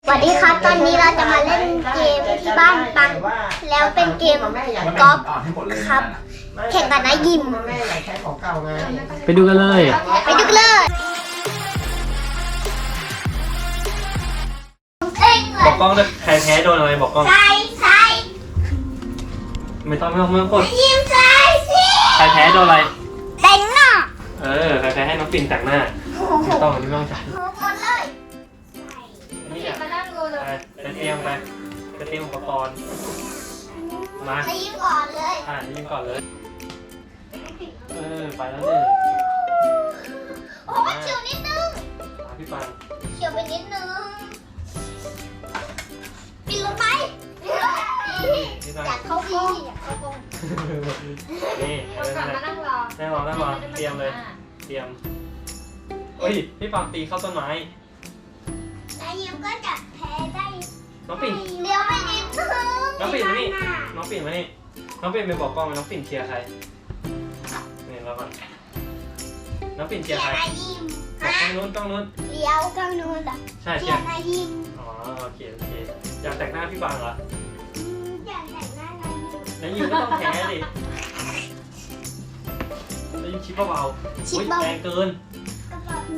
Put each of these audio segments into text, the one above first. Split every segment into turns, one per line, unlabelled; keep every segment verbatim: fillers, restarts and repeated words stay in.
สวัสดีครับตอนนี้เราจะมาเล่นเกมที่บ้านปังแล้วเป็นเกมกอล์ฟครับแข่งกันนะยิม
ไปดูกันเลย
ไปดูกันเลย
บอกกล้องเลยใครแพ้โดนอะไรบอกกล้อง
ใส่ใส่
ไม่ต้องไม่ต้องไม่ต้องกด
ยิมใส่สิ
ใครแพ้โดนอะไร
แต่งหน้า
เออใครแพ้ให้น้องปิ่นแต่งหน้าไม่ต้องไม่ต้องจ่าย
หมดเลย
นี่อ่ะไปไปเตรียมไปไปเตรียมอุปกรณ์มา
ใส่ยิมก่อนเลย
อ่ายิงก่อนเลยเออไปแล้วหนึ่ง
โอ้เฉียวนิดนึง
มาพี่ปัง
เฉียวไปนิดนึงปิดลงไป
พี่ปัง
อยากเข้ากล้องอยากเข้ากล้อง
นี่เออนั่นแหละนั่งรอนั่งรอนั่งรอเตรียมเลยเตรียมเฮ้ยพี่ปังตีเข้าต้นไม้
นายยิมก็จะแพ้ได้
น้องปิ่น
เลี้ยวไปนิดนึง
น้องปิ่นมานี่น้องปิ่นมานี่น้องปิ่นไปบอกกล้องน้องปิ่นเชียร์ใครนี่แล้วก่อนน้องปิ่นเชียร์ใคร
นายยิม
บอกกล้องนู้นกล้องนู้น
เลี้ยวกล้องนู้นอ่ะ
ใช่
เชี
เชี
ย
ยร์
ร์นายยิม
อ๋อโอเคโอเคอยากแต่งหน้าพี่ปังเหรอ
อยากแต่งหน้านายยิม
แล้วยิงก็ต้องแพ้ดิแล้วยิงชิปเบาๆอุ๊ยแรงเกิน
กระเป๋า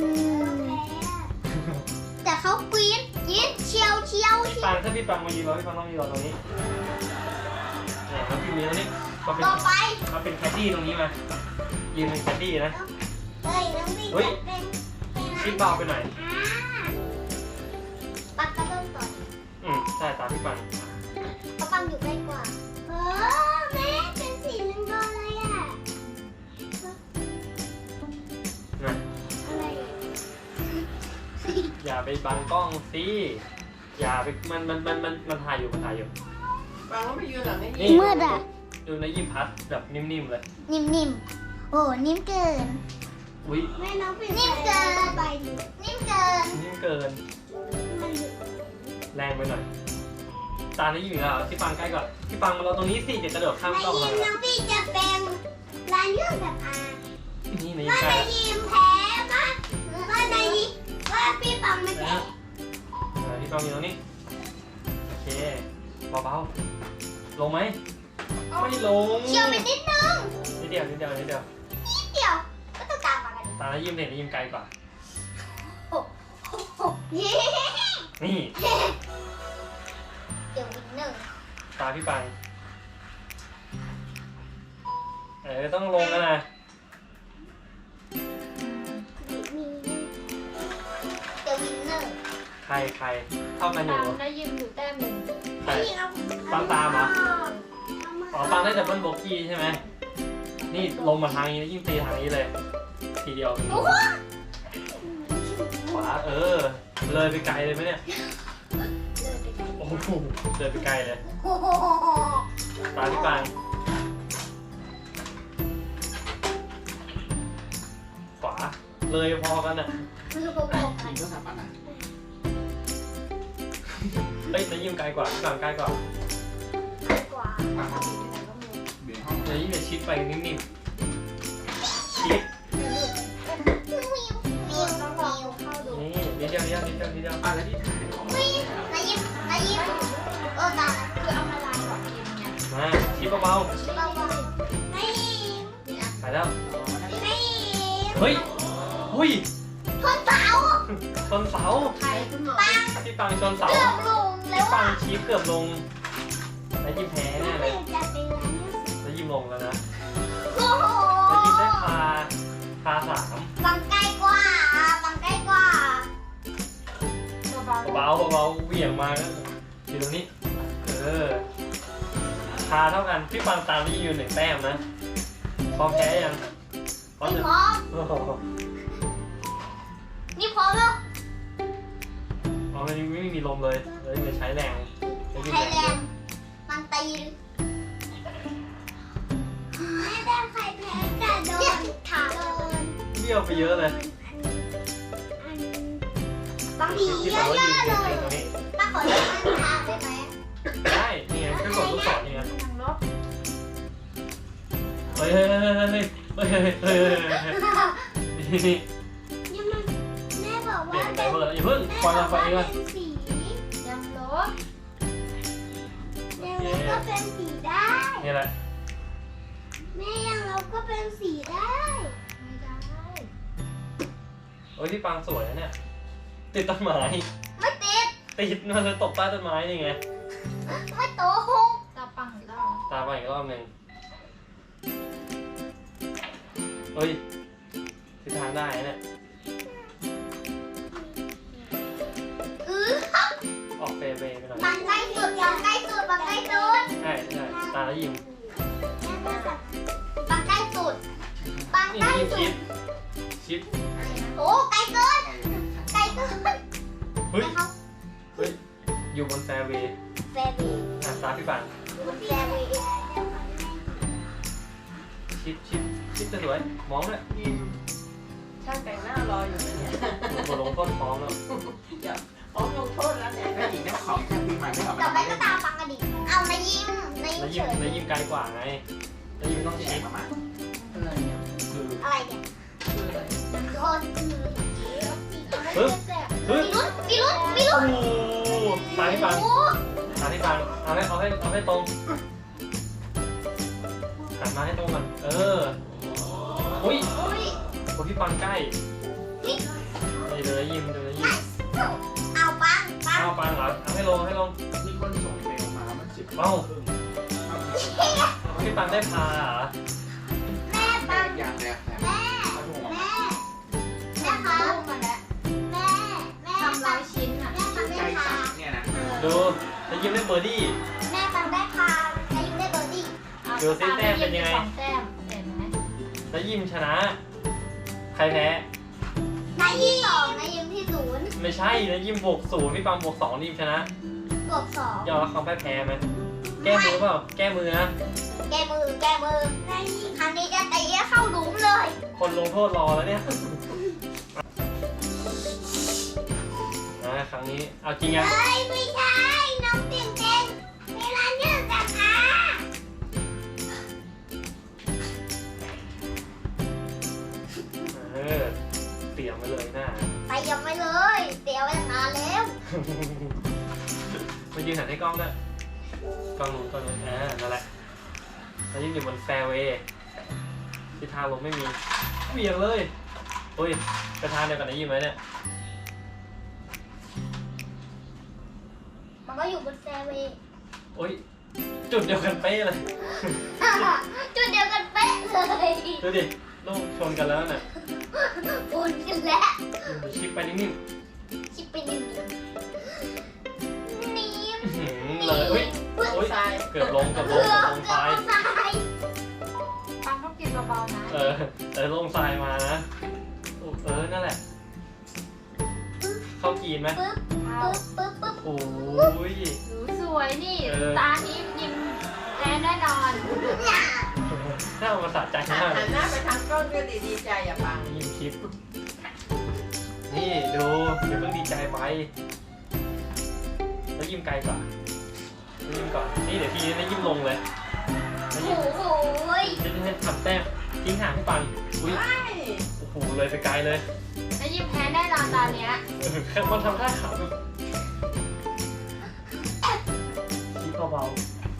แต่เขากรี๊ดกรี๊ดเชียวเชียว
พี่ปังถ้าพี่ปังมายืนรอพี่ปังต้องยืนรอตรงนี้เนี่ยน้องพิมพ์ยืนตรงนี้มาเป็น
ต่อไป
มาเป็นแคดดี้ตรงนี้มายืนเป็นแคดดี้นะ
เฮ้ยน้องวิ่ง
เฮ้ย
เป็น
ชิปเบาไปหน่อย
ปักกระต้นก่อน
อืมใช่ตามพี่ปัง
เขาปังอยู่ใกล้กว่าเออแม่เป็นสีเหลืองๆเลยอ่ะ
นะ
อะไร
อย่าไปบังกล้องสิอย่าไปมันมันมันมันมันถ่ายอยู่มันถ่ายอยู่
บางว่าไปยืนหลังไอ้
นี่
นี่
มืดอ่ะ
ดูในยิ้มพัดแบบนิ่มๆเลย
นิ่มๆโอ้นิ่มเกิน
อุ้ย
แม่น้องเป็นนิ่มเกินไปนิ่มเกิน
นิ่มเกิน
มัน
แรงไปหน่อยตาในยิ้มอีกแล้วพี่ปังใกล้ก่อนพี่ปังมาเราตรงนี้สิเดี๋ยวกระโดดข้าม
นาย
กล้อง
ยิ
มาม
น้องพี่จะเป็นลายเรื่องแบบอา
นี่ในยิ้ม
ว่า
ใกล้
นายยิมแพ้ปะว่านายยิมว่าพี่ปังไม่
แล้ว
แพ้
พี่ปังอยู่ตรงนี้โอเคเบาๆลงไหมไม่ลง
เชียวไปนิดนึง
นิดเดียวนิดเดียวนิดเดียว
นิดเดียวก็ต้องการมากัน
ตาในยิ้มเนี่ยในยิ้มไกลกว่า
เย้
นี่
เดี๋ยววินหนึ่ง
ตาพี่ปังเออต้องลงแล้วนะ
เดี๋ยววินหนึ่ง
ใครใครเท่ากันอยู่
ตามได้ยิมอยู่แต้มหนึ่ง
ใคร ปังตามเหรอ อ๋อปังได้แต่เบิ้ลโบกี้ใช่ไหมนี่ลงมาทางนี้แล้วยิ่งตีทางนี้เลย ทีเดียวขวาเออ เลยไปไกลเลยไหมเนี่ย โอ้โหเลยไปไกลเลย
โอ้โห
ตาพี่ปังขวา เลยพอกันอ่ะ
อีกก็สับปันอ่ะ
เฮ้ยนายยิ้มไกลกว่าพี่ปังใกล้กว่า
กว่า
ปังเขาเบี่ยงห้อง
นายยิ้มเนี่ยชิดไปนิ่มๆชิด
มิวมิวมิว
เข้าดู
นี่นิดเดียวนิดเดียวนิดเดียวนิดเดียว
อ่ะแล้วที่ถ่ายของ
นายยิ้มนายยิ้มเออตา
คือเอามาลายก่อนยิมเนี่ย
มาชิดเบา
เบาๆนายยิ้ม
ๆไปแล้ว
นายยิ้ม
เฮ้ยหุ้ย
ทนเสา
ชนเสา
ใครคุณหมอ
ปัง
พี่ปังชนเสา
เกือบลงแล้
พี่
ว
ปั
อ่ะ
งชี้เกือบลงแล้วยิ้มแพ้แน่เลย
จะเป็นอะไรเนี่ย
แล้วยิ้มลงแล้วนะ
โอ้โห
แล้วยิ้มได้พาพาสาม
บังใกล้กว่าบังใกล้กว่า
เบา
เบาๆเบาๆเหวี่ยงมาแล้วอยู่ตรงนี้ เออพาเท่ากันพี่ปังตามที่อยู่หนึ่งแต้มนะพร้อมแพ้ยังพร้อม
ไม่
ยัง
พร้อม
โอ้โห
นี่พร้อมแล้ว
อ๋อมันยังไม่มีลมเลยเลยไม่ใช้แรงแล้วยิ้ม
ไทย
แร
แล
ง
นด์มันตีไม่ได้ใครแพ้แต่โดนขาโดน
เบี้ยวไปเยอะเลย
บางที
พี่
เย
ปัง
อะ
ว่ายืน
ๆเล
เฉ
ย
ยๆตรงนี้
ป้าขอเล่นทางได้ไหม
ได้นี่ไงแค่กดลูกศรนี่ไง
ทางลบ
เฮ้ยเฮ้ยเฮ้ยเฮ้ยเฮ้ยเฮ้ยเฮ้ยเฮ้ยนี่นี่
ยังมันแม่บอก
เปลี่
ว่าย
นไดเวอร์อย่าเพิ่งปล่อยเราไปเองก่อน
เป็นสี
เดี๋
นี่แหละ
แม่ยังเราก็เป็นสีได้
ไม่ได้
โอ้ยพี่ปังสวยนะเนี่ยติดต้นไม้
ไม่ติด
ติดมันเลยตกใต้ต้นไม้นี่ไง
ไม่โตหง
ตาปังอีกแล้ว
ตามมาอีกรอบหนึ่งเฮ้ยทิศทางได้นะเนี่ย
อือ
ออกเฟเบไปหน่อย
บังใกล้สุดบังใกล้สุดบังใกล้สุด
ใช่ใช่ตาแล้วยิ้ม
บังใกล้สุดบัง
นี่
ใกล้
ยิ้ม
สุ
ชิ
ด
ดชิด
โอ้ไกลเกินไกลเกิน
เฮ้ย
นะครับ
เฮ้ยอยู่บนแฟเวย์
แฟบี
อ่ะตาพี่ปัง
แฟบี
ชิดชิดชิดจะสวยมองเลย
ยิมช่างแต่งหน้ารออยู่นะเนี่ย
บนลงต้นท้องแล้ว
เดี๋ยวพร้อมลงโทษแล้วเนี่ยแม่หญิงเจ้าของแค่ปีใหม่ไม่ออก
ต่อ
มา
ไปก็ตามฟังกันดิเอานายยิ้มนาย
แล้ว
ยิ้
ยิ้
ม
ม
เฉย
แล้วยิ้มไกลกว่าไงแล้วยิ้มต้อง
ที่
ชิด
ประมาณอะไรเนี่ย
คือ
อะไรเนี่ย
คืออะไร
โดนคือ
ปึ๊บ
มี
ปึ๊บ
ลุ้นมีลุ้นมี
โอ้
ลุ้น
โหตาพี่ปัง
โอ้
ตาพี่ปังเอาให้เอาให้เอาให้ตรงหันมาให้ตรงกันเอออุ้ย
อุ้ย
คนพี่ปังใกล้
นี่
นี่เลยยิ้มดูเลยยิ้ม
เอาปังปัง
เอาปังเหรอเอาให้ลงให้ลง
มีคนส่งเมลมามันสิบ
เอ้า
ครึ่ง
พี่ปังได้พาเหรอ
แม่ปัง
อย่างแรกแต่
แม่
ถ้าถูก
แม่แม่ครับ
มาแล้ว
แม่แม่
ทำร้อยชิ้นอ่ะ
แม่ปัง
ใจ
ได้พา
สั่นเนี่ยนะ
ดูแล้วยิ้มได้เบอร์ดี้
แม่ปังได้พาไอ้ยิ้มได้เบอร์ดี้
ดูสิแต้มเป็นยังไง
สองแต้มเห็นไหม
แล้วยิ้มชนะ ใครแพ้
นายยิ้มสองนายยิ้มที่ศูนย์
ไม่ใช่แล้วยิ้มบวกศูนย์พี่ปังบวกสองยิ้มชนะ
บวกสอง
ยอมรับความพ่ายแพ้ไหมแก้มือเปล่าแก้มือนะ
แกมือแกมือครั้งนี้จะตีให้เข้าหลุมเลย
คนลงโทษรอแล้วเนี่ยนะครั้งนี้เอาจริงยัง
เอ้ยไม่ใช่น้องเตียงเต็งเวลาเนื่องจากอา
เออเตรียมไว้เลยหน้า
ไปยังไม่เลยเตียวไปตั้งนานแล้ว
มายืนหันให้กล้องด้วยกล้องนู้นกล้องนู้นอ่านั่นแหละแล้วยืนอยู่บนแฟร์เวย์ที่ทางลงไม่มีเบี่ยงเลยอุ้ยไปทางเดียวกันนะยิ้มไหมเนี่ย
มันก็อยู่บนแฟร์เวย์
โอ้ยจุดเดียวกันเป๊ะเลย
จุดเดียวกันเป๊ะเลย
ดูดิลูกชนกันแล้วน่ะ
อุ่นกันแล้ว
ชิปไปนิ่ง
ชิปไปหนึ่งนิ่ม
ๆอื้อหือเลยอุ้ย
โอ้ยทราย
เกือบลงเกือบล
เกื
ง
อบ
เกือบลง
เกื
ท
อบ
ราย
ตาย
ปังต้องกินเบาๆนะ
เออเออลงทรายมานะเออนั่นแหละ เข้ากีนไหม
ปึ๊บ
เอา
ปึ๊บปึ๊บปึ๊บ
โอ้ย
หนูสวยนี่
เออ
ตานี้ยิ้มแน่แน่นอน
เนี่ย
น่าเอามาสะใจมาก
หันหน้าไปทางกล้องก็ดีดีใจอ่ะปัง
ยิ้มคลิป นี่ดูเดี๋ยวเพิ่งดีใจไปแล้วยิ้มไกลกว่าแล้วยิ้มก่อน นี่เดี๋ยวทีนี้แล้วยิ้มลงเลยแล้วยิ้ม
โอ้โหย
จะให้ทำแต้มทิ้งห่างให้ปังอุ้ย
ใช่
โอ้โหเลยไปไกลเลย
แล้วยิ้มแพ้แน่นอนตอนเนี้ย
แค่มันทำท่าขำแบบคิดเบา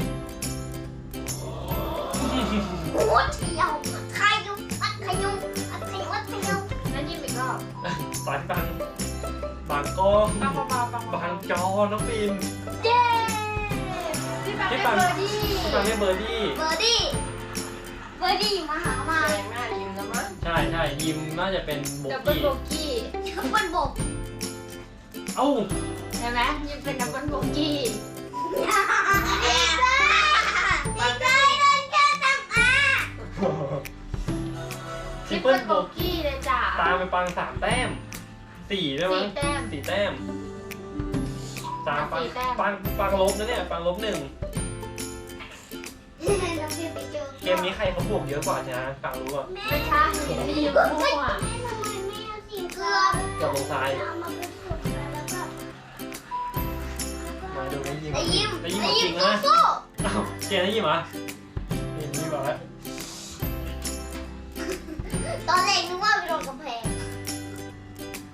โอ้เที่ยวขยุมอัดขยุมอัดขยุมอัดขยุม
แล้วยิ้มอีกรอบ
ๆปานปังบางกล้อง
ปังเบาๆปัง
บาง
เบา
จอน้องปิน
ๆเย้พี่ปังได้เบอร์ดี้
พี่ปังได้เบอร์ดี้
เบอร์ดี้เบอร์ดี้มาหามา
แดงหน้ายิ้มแล้วมั้ง
ใช่ใช่ยิมน่าจะเป็นโบ
ดับเบิล
กี้
โบกี้
มันบก
เอ้า
เห็นไหมยิ้มเป็นดับเบิลโบกี้
ไม่ได้ไม่ได้เดินแค่ตังอา
ทริ
ยิ้
ป
ม
เปิ
เป็
ล
น
โบ
โบกี้เลยจ้ะ
ตามไปปังสามแต้มสี่ได้มั้
สี่
ง
แต้ม
สี่แต้มสามปัง
สี่แต้ม
ปังปังลบนะเนี่ยปังลบหนึ่ง
น้องพี่ไปเจอ
เกมนี้ใครเขาบวกเยอะกว่าชนะปังรู้อ่ะ
ไม่ใช่พี่ยิ้มมั่ว
ทำไมแม่เอาสีเกลือ
กับลงซ้าย
เอามาเป็นสูตรแล้วก็
มาดูได้ยิม
ไอ้ยิ้ม
ได้ยิม
ไอ้
จ
ยิ้
ริ
ม
งนะ
สู้
เอ้าเกมได้ยิมเหรอเกมนี้บอกแล้ว
ๆตอนแรกนึกว่าไปโดนกำแพง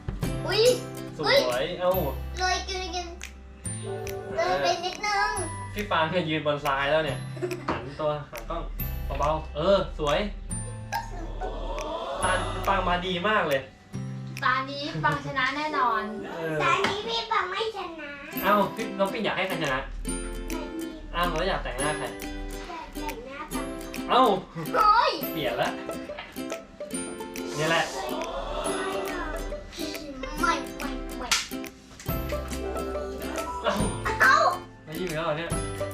อุ้ย
สวยเอ้า
เลยกินกินเลยไปนิดนึง
ฟพี่ปางเนี่ยยืนบนทรายแล้วเนี่ยหันตัวหันกล้องเบาๆเออสวยตาปางมาดีมากเลย
ตานี้ปังชนะแน่นอน
เออ
ตอนนี้พี่ปังไม่ชนะ
เอ้าพี่น้องปิ่นอยากให้ใครชนะอ้าวแล้วอยากแต่งหน้าใคร
แต่งหน้าปัง
เอ้า
โอ้ย
เปลี่ยนละนี่แหละ
ไม่ไม่ไม่
เอ้า
เอ้า
ไม่ยิ้มอีกแล้วเหรอเนี่ย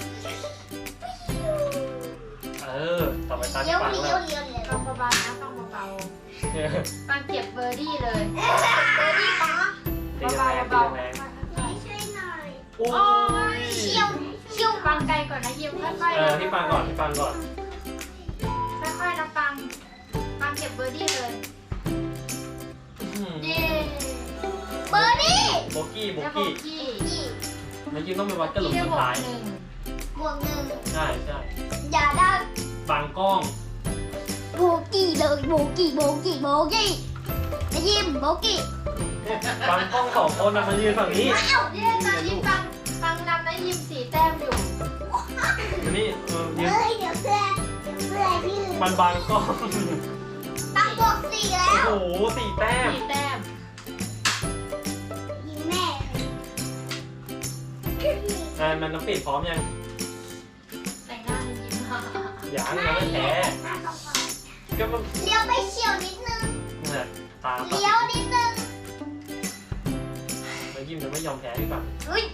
เออต่อไปตา
เลี้
พี่
ยว
ปาง
เลี้
แล้
ยว
ว
เลี้ยวเลี้ยว
ปังเบาๆนะปังเบา
เนี่ย
ๆปังเก็บเบอร์ดี้เลย
เบอร์ดี้ปัง
ตี
เบา
แรง
ๆ
ตี
เบา
แรง
ๆ
ช่วยหน่อย
โอ้ย
เชี่ยวเชี่ยว
ปังไกลก่อนนะยิ้มค่อยๆ
เออ
นะ
พี่ปางก่อนพี่ปางก่อน
ค่อยๆนะปังปังเก็บเบอร์ดี้เลย เย้
เบอร์ดี้
โบกี้โบ
แล้วโบ
กี้
กี้
เมื่อกี้ต้องไปวัดกระหลุม
ที่ได้
สุ
บ
ด
วก
ท้าย
หนึ่ง
บวกหนึ่ง
ใช่ใช่
อย่าได้
บางกล้อง
โบกี้เลยโบกี้โบกี้โบกี้นายยิ้มโบกี้
บางกล้องสองคนนะมายืนฝั่งนี้
อ้าว
เย้ตอนนี้ปังปังนำนะยิ้มสี่แต้มอยู่
อันนี้เออยืน
เฮ้ยเดี๋ยวเพื่อนเดี๋ยวเพื่อนพี่
มันบางกล้อง
ตั้งบวกสี่แล้
โอ้
ว
โหสี่แต้ม
สี่แต้ม
ยิงแม่
อ่ามันน้ำปิดพร้อมยัง
แต่งหน้าให้ยิ้ม
ยังยังไม่แพ้ก็มัน
เลี้ยวไปเฉียวนิดนึง
เนี่ยตา
เลี้ยวนิดนึง
แล้วยิ้มจะไม่ยอมแพ้พี่ปัง
อุ้ย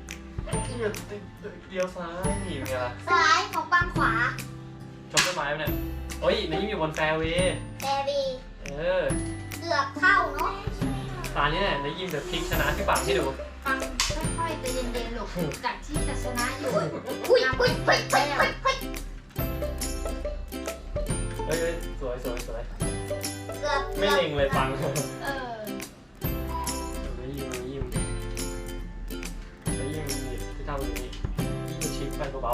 เดียวซ้ายนี่เป็นไงล่ะ
ซ้ายของปังขวา
ชมต้นไม้ไหมเนี่ยโอ้ยนายยิ้มอยู่บนแฟร์เวย์
แบบี
เออ
เกือบเข้าเนาะ
ตานี้เนี่ยนายยิ้มจะพลิกชนะพี่ปังให้ดู
ปังค่อยๆใจเย็นๆหลบจากที่จะชนะอยู่
อุ้ยอุ้ยเฮ้ยเฮ้ยเฮ้ยเฮ้ย
เฮ้ยเฮ้ยสวยสวยสวย
เกือบ
ไม่เล็งเลยปัง
เออ
ไม่ยิ้มไม่ยิ้มไม่ยิ้มนี่ที่ทำอย่างนี้ยิ้มชิปไปเบา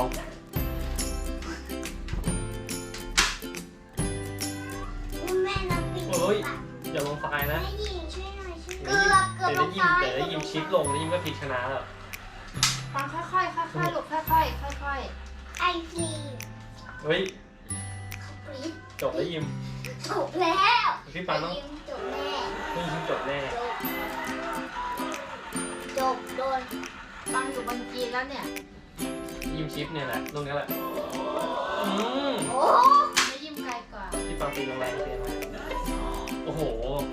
อุ้ยแม่น้ำปิ่น
ๆเฮ้ยอย่าลงทรายนะ
แม่ยิงช่วยหน่อยช่วยเกือบเกือบ
แต่
ล
ได้
ง
ยิ้ม
ซ้าย
แต่ได้ยิ้มชิปลงได้ยิ้มก็พลิกชนะแล้ว
ปังค่อยๆค่อยๆหลบค่อยๆค่อย
ไอซี
เฮ้ย
ปรีด
จบได้ยิ้ม
จบแล้ว
พี่ปังต้อง
ยิงจบแน่
ได้ยิ้มจบแน่
จบจบโดน
ๆปังอยู่บนกีนแล้วเนี่ย
ยิ้มชิปเนี่ยแหละตรงนี้แหละอืม
โอ้
ไม่ยิ้มไกลกว่า
พี่ปังตีแรงๆตีแรงโอ้โห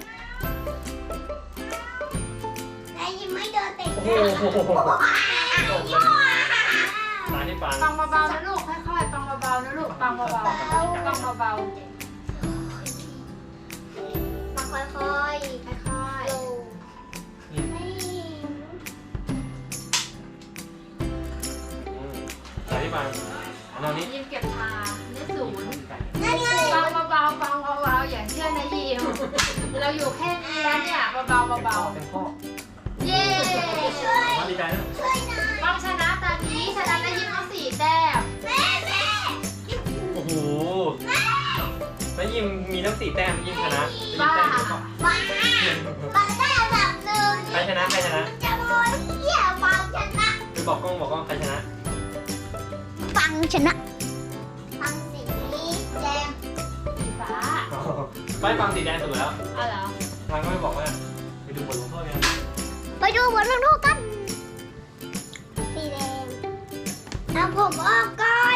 นายยิงไม่โดนเตะ
โอ้โหจบเลยตาที่ปัง
ปังเบาๆนะลูกค่อยๆปังเบาๆนะลูกปังเบาๆปังเบา
มาค่อย
ๆค่อย
ๆโล
อืม
ไม่
อืมตาที่ปังอันนี้
ๆยิ้มเก็บทาได้ศูนย์
นั่นไง
ปังเบาๆปังเบาๆอย่างเชื่อนะยิมเราอยู่แค่นี้แล้วเนี่ยเบาๆเบา
เป็นพ่อ
ๆเย้
ช่วย
มาดีใจนะ
ช่วยหน่อย
ปังชนะตอนนี้ชนะได้ยิ้มทั้งสี่แต้ม
แม่แม่
โอ้โหแล้วยิมมีทั้งสี่แต้มยิมชนะ
บ้า
แต้มเดียวก่อน
บ้าบ้าได้อันดับหนึ่ง
ใครชนะใครชนะ
จะโดนเหี้ยฟังชนะ
ไปบอกกล้องบอกกล้องใครชนะ
ฟังชนะฟังสีแดง
สีฟ้า
ไม่ฟังสีแดงสุดแล้ว
เอาเหรอ
ทางก็ไม่บอกว่าไปดูบทลงโทษกัน
ไปดูบทลงโทษกันสีแดงเอาผมออกก่อน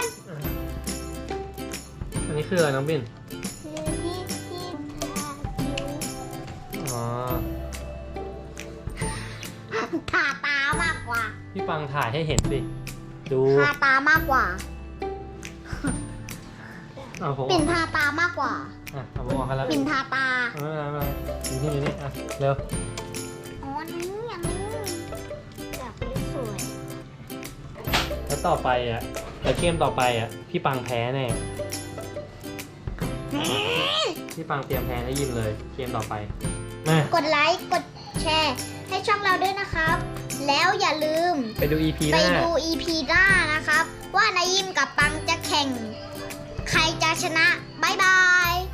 อันนี้คืออะไรน้องบิน
คือที่ที่ทาคิ้ว
อ๋อ
ทาตามากกว่า
พี่ปังถ่ายให้เห็นสิ ดู
ทาตามากกว่า
เอาผม
ปิ่นทาตามากกว่า
อ่ะเอาผมออกกันแล้ว
ปิ่นทาตา
ไม่เป็นไรไม่เป็นไรอยู่นี่อยู่นี่อ่ะเร็ว
อ๋อนี่อันนี้อยากเป็นสวย
แล้วต่อไปอ่ะแต่เกมต่อไปอ่ะพี่ปังแพ้แน่พี่ปังเตรียมแพ้แล้วยิมเลยเกมต่อไปมาก
ดไลค์ กดแชร์ ให้ช่องเราด้วยนะครับ แล้วอย่าลืม
ไปดู อี พี ห
ไป
น้า
ดู อี พี หน้านะครับ ว่านายิมกับปังจะแข่ง ใครจะชนะ บ๊ายบาย